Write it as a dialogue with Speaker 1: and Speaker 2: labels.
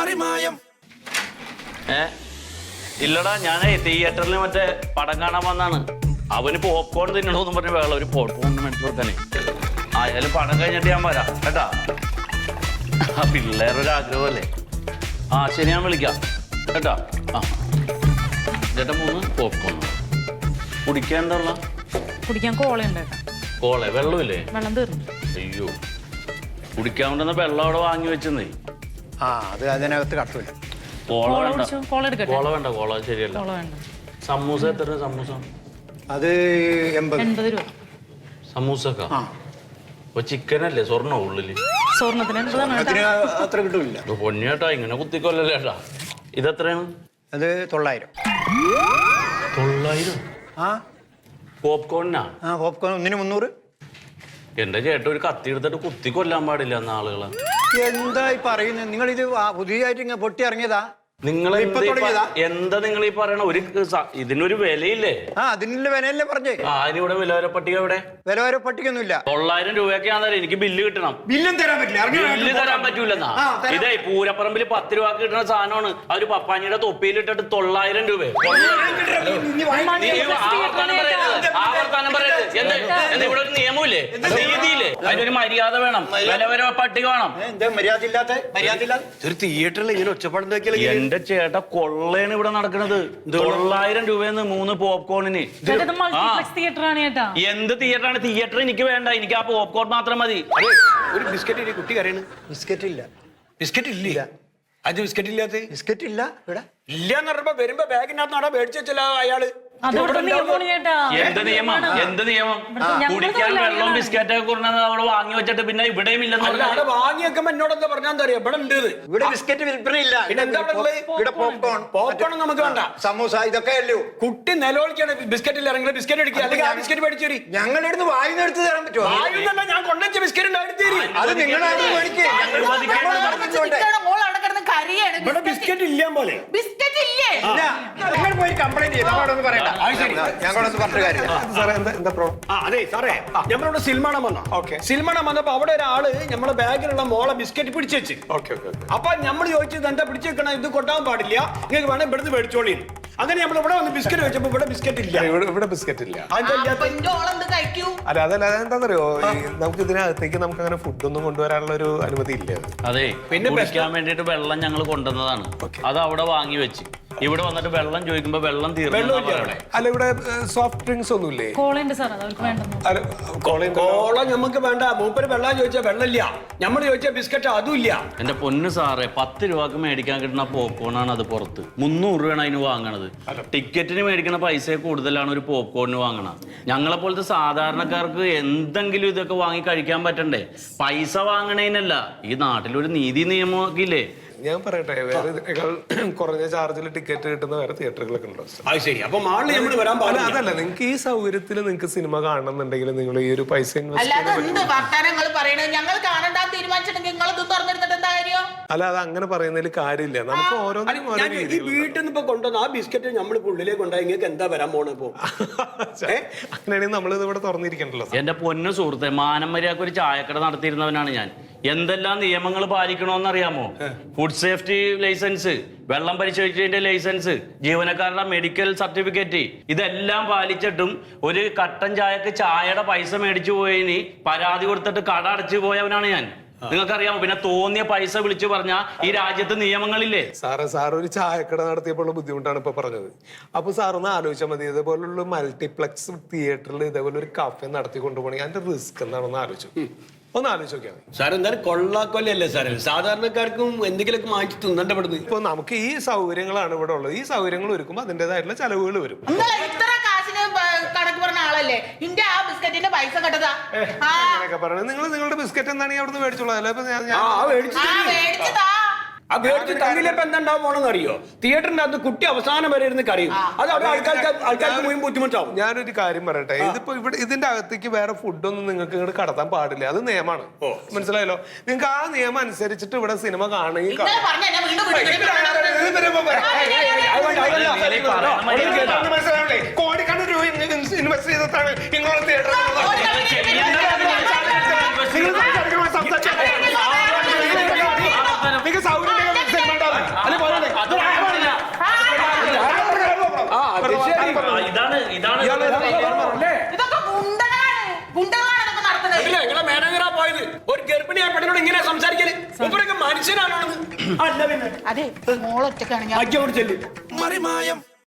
Speaker 1: മറിമായം.
Speaker 2: ഇല്ലടാ, ഞാനേ തിയേറ്ററിൽ മറ്റേ പടം കാണാൻ വന്നാണ്. അവന് പോപ്കോൺ തിന്നണോന്നും പറഞ്ഞ വേള ഒരു പോപ്കോൺ മേടിച്ചു കൊടുക്കാനേ. ആയാലും പടം കഴിഞ്ഞിട്ട് ഞാൻ വരാം കേട്ടാ. ആ പിള്ളേരൊരു ആഗ്രഹമല്ലേ. ആ ശരി, ഞാൻ വിളിക്കാം കേട്ടാ. ആ ചേട്ടാ 3 പോപ്കോൺ. കുടിക്കാൻ എന്താ ഉള്ള?
Speaker 3: കുടിക്കാൻ കോളയുണ്ട്.
Speaker 2: കോള? വെള്ളമില്ലേ?
Speaker 3: വെള്ളം തീർന്നു.
Speaker 2: അയ്യോ, കുടിക്കാൻ കൊണ്ടുവന്ന വെള്ളം അവിടെ വാങ്ങി വെച്ചെന്നേ.
Speaker 4: ആ അത് അതിനകത്ത് കട്ടില്ല.
Speaker 2: കോള വേണ്ട, കോള വേണ്ട, കോള ശരിയല്ല. സമൂസ എത്ര? സമൂസ
Speaker 4: അത് 80
Speaker 3: രൂപ.
Speaker 2: സമൂസക്ക അപ്പൊ ചിക്കനല്ലേ? സ്വർണ്ണ ഉള്ളില്?
Speaker 3: സ്വർണ്ണത്തിന്
Speaker 4: അത്ര കിട്ടൂല.
Speaker 2: പൊന്നിയേട്ടാ, ഇങ്ങനെ കുത്തിക്കൊല്ലല്ലേ ഏട്ടാ. ഇതെത്രയാണ്?
Speaker 4: അത് 900.
Speaker 2: 900?
Speaker 4: ആ
Speaker 2: പോപ്കോണിനാ?
Speaker 4: ആ പോപ്കോൺ ഒന്നിന് 300.
Speaker 2: എന്റെ ചേട്ടൻ ഒരു കത്തി എടുത്തിട്ട് കുത്തി കൊല്ലാൻ പാടില്ല എന്ന ആളുകളെ.
Speaker 4: എന്തായി പറയുന്നത് നിങ്ങൾ? ഇത് പുതിയതായിട്ട് ഇങ്ങനെ പൊട്ടി ഇറങ്ങിയതാ?
Speaker 2: നിങ്ങൾ എന്താ നിങ്ങൾ ഈ പറയണ? ഇതിനൊരു വിലയില്ലേ?
Speaker 4: ആ അതിനുള്ള വിലയല്ലേ പറഞ്ഞേ.
Speaker 2: അതിനിവിടെ വിലവര പട്ടിക എവിടെ?
Speaker 4: വിലവര പട്ടികയൊന്നുമില്ല.
Speaker 2: 900 രൂപയ്ക്കാണെന്നേരം എനിക്ക് ബില്ല് കിട്ടണം.
Speaker 4: ബില്ലും തരാൻ പറ്റില്ല.
Speaker 2: ബില്ല് തരാൻ പറ്റൂലെന്നാ. ഇതേ പൂരപ്പറമ്പിൽ 10 രൂപ കിട്ടുന്ന സാധനമാണ്. അവര് പപ്പാനിയുടെ തൊപ്പിയിലിട്ടിട്ട് 900 രൂപ. ആവർത്തനം പറയരുത്. എന്താ ഇവിടെ ഒരു നിയമമില്ലേ, നീതിയില്ലേ? അതിനൊരു മര്യാദ വേണം, വിലവര പട്ടിക വേണം.
Speaker 4: മര്യാദ ഇല്ലാത്ത
Speaker 1: ഒരു തിയേറ്ററിൽ ഇങ്ങനെ ഒച്ചപ്പാടുണ്ടാക്കിയാൽ
Speaker 2: എന്റെ ചേട്ടാ കൊള്ളയാണ് ഇവിടെ നടക്കുന്നത്. 900 രൂപയെന്ന് 3 പോപ്കോണിന്. എന്ത് തിയേറ്ററാണ്? തിയേറ്റർ എനിക്ക് വേണ്ട, എനിക്ക് ആ പോപ്കോൺ മാത്രം മതി.
Speaker 1: ഒരു ബിസ്ക്കറ്റ് കുട്ടി കരയാണ്.
Speaker 4: ബിസ്ക്കറ്റ് ഇല്ല.
Speaker 1: ബിസ്ക്കറ്റ് ഇല്ല. അത് ബിസ്ക്കറ്റ് ഇല്ലാത്ത
Speaker 4: ബിസ്ക്കറ്റ് ഇല്ല ഇവിടെ.
Speaker 1: ഇല്ലാന്ന് പറഞ്ഞപ്പോ വരുമ്പോ ബാഗിനകത്ത് നടാ മേടിച്ചു വെച്ചല്ലോ അയാള്.
Speaker 2: എന്ത് നിയമം? എന്ത് നിയമം? കുടിക്കാൻ വെള്ളം ബിസ്ക്കറ്റ് ഒക്കെ കൊടുക്കുന്നത് അവിടെ വാങ്ങി വെച്ചിട്ട് പിന്നെ ഇവിടെയും ഇല്ലെന്ന്
Speaker 1: അവിടെ വാങ്ങി വെക്കുമ്പോ എന്നോടെന്താ പറഞ്ഞാൽ എന്താ അറിയാം, ഇവിടെ ഉണ്ട്.
Speaker 4: ഇവിടെ ബിസ്ക്കറ്റ് വിൽപ്പനയില്ല.
Speaker 1: പിന്നെ എന്താ ഇവിടെ പോപ്കോൺ? പോപ്കോൺ നമുക്ക് വേണ്ട.
Speaker 4: സമൂസ ഇതൊക്കെ അല്ലോ.
Speaker 1: കുട്ടി നിലവിളിക്കാണ് ബിസ്ക്കറ്റിൽ ഇറങ്ങി ബിസ്ക്കറ്റ് എടുക്കുക, അല്ലെങ്കിൽ ആ ബിസ്ക്കറ്റ് മേടിച്ചു തരി.
Speaker 4: ഞങ്ങളുടെ അടുത്ത് വായുന്ന എടുത്ത് തരാൻ പറ്റുമോ?
Speaker 1: വായുന്നല്ല, ഞാൻ കൊണ്ടുവച്ച ബിസ്ക്കറ്റ്
Speaker 4: അത് നിങ്ങളാണ് മേടിക്കുക.
Speaker 1: ഇവിടെ ബിസ്ക്കറ്റ് ഇല്ല പോലെ.
Speaker 5: ബിസ്ക്കറ്റ് ഇല്ലേ?
Speaker 4: നിങ്ങൾ പോയി കംപ്ലൈന്റ് ചെയ്യും. ഞങ്ങളോടൊന്നും പറയണ്ട. ഞങ്ങളൊന്നും പറഞ്ഞ കാര്യം.
Speaker 1: അതെ സാറേ, നമ്മളിവിടെ സിൽമാണം വന്നോ. സിൽമാണം വന്നപ്പോ അവിടെ ഒരാള് നമ്മളെ ബാഗിലുള്ള മോളെ ബിസ്ക്കറ്റ് പിടിച്ചു വെച്ച്. അപ്പൊ നമ്മൾ ചോദിച്ചത് എന്താ പിടിച്ചു വെക്കണം, ഇത് കൊട്ടാൻ പാടില്ല, നിങ്ങൾക്ക് വേണം ഇവിടുന്ന് മേടിച്ചോളി. അങ്ങനെ നമ്മൾ ഇവിടെ വന്ന് ബിസ്ക്കറ്റ് വെച്ചപ്പോ ഇവിടെ ബിസ്ക്കറ്റ് ഇല്ല.
Speaker 6: ഇവിടെ ബിസ്ക്കറ്റ് ഇല്ല.
Speaker 5: അല്ല
Speaker 6: അതല്ല, അതെന്താണെന്നറിയോ, നമുക്ക് ഇതിനകത്തേക്ക് നമുക്ക് അങ്ങനെ ഫുഡൊന്നും കൊണ്ടുവരാനുള്ള ഒരു അനുമതി ഇല്ല.
Speaker 2: അതെ, പിന്നെ കുടിക്കാൻ വേണ്ടിട്ട് വെള്ളം ഞങ്ങൾ കൊണ്ടുവന്നതാണ്. അത് അവിടെ വാങ്ങി വെച്ച് ഇവിടെ വന്നിട്ട് വെള്ളം ചോദിക്കുമ്പോ വെള്ളം തീർന്നു.
Speaker 6: അല്ല ഇവിടെ സോഫ്റ്റ് ഡ്രിങ്ക്സ് ഒന്നുമില്ലേ?
Speaker 1: കോള നമുക്ക് വേണ്ട. മൂപ്പര് വെള്ളം ചോദിച്ചാൽ വെള്ളമില്ല, നമ്മൾ ചോദിച്ചാൽ ബിസ്ക്കറ്റ് അതും ഇല്ല.
Speaker 2: എന്റെ പൊന്ന് സാറേ, 10 രൂപക്ക് മേടിക്കാൻ കിട്ടുന്ന പോപ്കോണാണ് അത് പുറത്ത്. 300 രൂപയാണ് അതിന് വാങ്ങണത്. ടിക്കറ്റിന് മേടിക്കുന്ന പൈസ കൂടുതലാണ് ഒരു പോപ്കോണിന് വാങ്ങണത്. ഞങ്ങളെ പോലത്തെ സാധാരണക്കാർക്ക് എന്തെങ്കിലും ഇതൊക്കെ വാങ്ങി കഴിക്കാൻ പറ്റണ്ടേ? പൈസ വാങ്ങണേനല്ല, ഈ നാട്ടിലൊരു നീതി നിയമമൊക്കെ ഇല്ലേ?
Speaker 6: ഞാൻ പറയട്ടെ, വേറെ ഇതിനേക്കാൾ കുറഞ്ഞ ചാർജിൽ ടിക്കറ്റ് കിട്ടുന്ന വേറെ തിയേറ്ററുകളൊക്കെ ഉണ്ടോ?
Speaker 1: അതല്ല,
Speaker 6: നിങ്ങൾക്ക് ഈ സൗകര്യത്തിൽ നിങ്ങൾക്ക് സിനിമ കാണണമെന്നുണ്ടെങ്കിൽ നിങ്ങൾ ഈ ഒരു പൈസ അല്ല, അത് അങ്ങനെ പറയുന്നതിൽ കാര്യമില്ല. നമുക്ക് ഓരോന്നും
Speaker 1: വീട്ടിൽ നിന്ന് ഇപ്പൊ കൊണ്ടുവന്ന ആ ബിസ്ക്കറ്റ് നമ്മൾ ഉള്ളിലേക്ക് കൊണ്ടുപോയി നിങ്ങൾക്ക് എന്താ വരാൻ പോണപ്പോ?
Speaker 6: അങ്ങനെയാണെങ്കിൽ നമ്മൾ ഇത് ഇവിടെ തുറന്നിരിക്കണ്ടല്ലോ.
Speaker 2: എന്റെ പൊന്നു സുഹൃത്തെ, മാനം മര്യാദക്ക് ഒരു ചായക്കട നടത്തിയിരുന്നവനാണ് ഞാൻ. എന്തെല്ലാം നിയമങ്ങൾ പാലിക്കണമെന്ന് അറിയാമോ? ഫുഡ് സേഫ്റ്റി ലൈസൻസ്, വെള്ളം പരിശോധിച്ചതിന്റെ ലൈസൻസ്, ജീവനക്കാരുടെ മെഡിക്കൽ സർട്ടിഫിക്കറ്റ്, ഇതെല്ലാം പാലിച്ചിട്ടും ഒരു കട്ടൻ ചായക്ക് ചായയുടെ പൈസ മേടിച്ചു പോയതിന് പരാതി കൊടുത്തിട്ട് കട അടച്ചു പോയവനാണ് ഞാൻ. നിങ്ങൾക്കറിയാമോ? പിന്നെ തോന്നിയ പൈസ വിളിച്ചു പറഞ്ഞാൽ ഈ രാജ്യത്ത് നിയമങ്ങളില്ലേ?
Speaker 6: സാർ ഒരു ചായക്കട നടത്തിയപ്പോൾ ബുദ്ധിമുട്ടാണ് ഇപ്പൊ പറഞ്ഞത്. അപ്പൊ സാറൊന്ന് ആലോചിച്ചാൽ മതി, ഇതേപോലുള്ള മൾട്ടിപ്ലക്സ് തിയേറ്ററിൽ ഇതേപോലെ ഒരു കഫേ നടത്തി കൊണ്ടുപോകണമെങ്കിൽ അതിന്റെ റിസ്ക് എന്താണെന്ന് ആലോചിച്ചു. ഒന്ന് ആലോചിച്ച് നോക്കിയാൽ മതി
Speaker 1: സാർ. എന്തായാലും കൊള്ളാക്കൊല്ലല്ലേ സാറേ, സാധാരണക്കാർക്കും എന്തെങ്കിലുമൊക്കെ മാറ്റി തിന്നണ്ടപ്പെടുന്നത്.
Speaker 6: ഇപ്പൊ നമുക്ക് ഈ സൗകര്യങ്ങളാണ് ഇവിടെ ഉള്ളത്. ഈ സൗകര്യങ്ങൾ ഒരുക്കുമ്പോൾ അതിൻ്റെതായിട്ടുള്ള ചെലവുകൾ വരും.
Speaker 5: കണക്ക് പറഞ്ഞ ആളല്ലേ ഇന്ത്യ ആ ബിസ്ക്കറ്റിന്റെ പൈസ കെട്ടതാ.
Speaker 6: നിങ്ങൾ നിങ്ങളുടെ ബിസ്ക്കറ്റ് എന്താണെങ്കിൽ അവിടുന്ന് മേടിച്ചോളാം.
Speaker 1: എന്താണ്ടാവും പോണെന്ന് അറിയോ? തിയേറ്ററിന്റെ അകത്ത് കുട്ടി അവസാനം വരെ ഇരുന്ന് കറിയും. അത് അവിടെ ആൾക്കാർക്ക് മുഴുവൻ ബുദ്ധിമുട്ടാവും.
Speaker 6: ഞാനൊരു കാര്യം പറയട്ടെ, ഇതിപ്പോ ഇവിടെ ഇതിന്റെ അകത്തേക്ക് വേറെ ഫുഡൊന്നും നിങ്ങൾക്ക് ഇങ്ങോട്ട് കടത്താൻ പാടില്ല. അത് നിയമമാണ്. മനസ്സിലായല്ലോ? നിങ്ങൾക്ക് ആ നിയമം അനുസരിച്ചിട്ട് ഇവിടെ സിനിമ കാണുകയും കോടിക്കണക്കിന് രൂപ ഇൻവെസ്റ്റ് ചെയ്തിട്ടാണ് ഇങ്ങോട്ട് തിയേറ്റർ നിങ്ങൾക്ക് സൗകര്യം
Speaker 2: ഇതാണ്
Speaker 5: ഇതൊക്കെ ഗുണ്ടകളാണ് ഇതൊക്കെ നടത്തുന്നത്.
Speaker 1: നിങ്ങളെ മേനകരാ പോയത് ഒരു ഗർഭിണിയായ പെണ്ണിനോട് ഇങ്ങനെ സംസാരിക്കല് ഇവരൊക്കെ മനുഷ്യനാണോ? അല്ല പിന്നെ
Speaker 5: അതെ മോളൊറ്റക്കാണ് ഞാൻ
Speaker 1: അയ്യോട് ചെല്ലു
Speaker 7: മറിമായം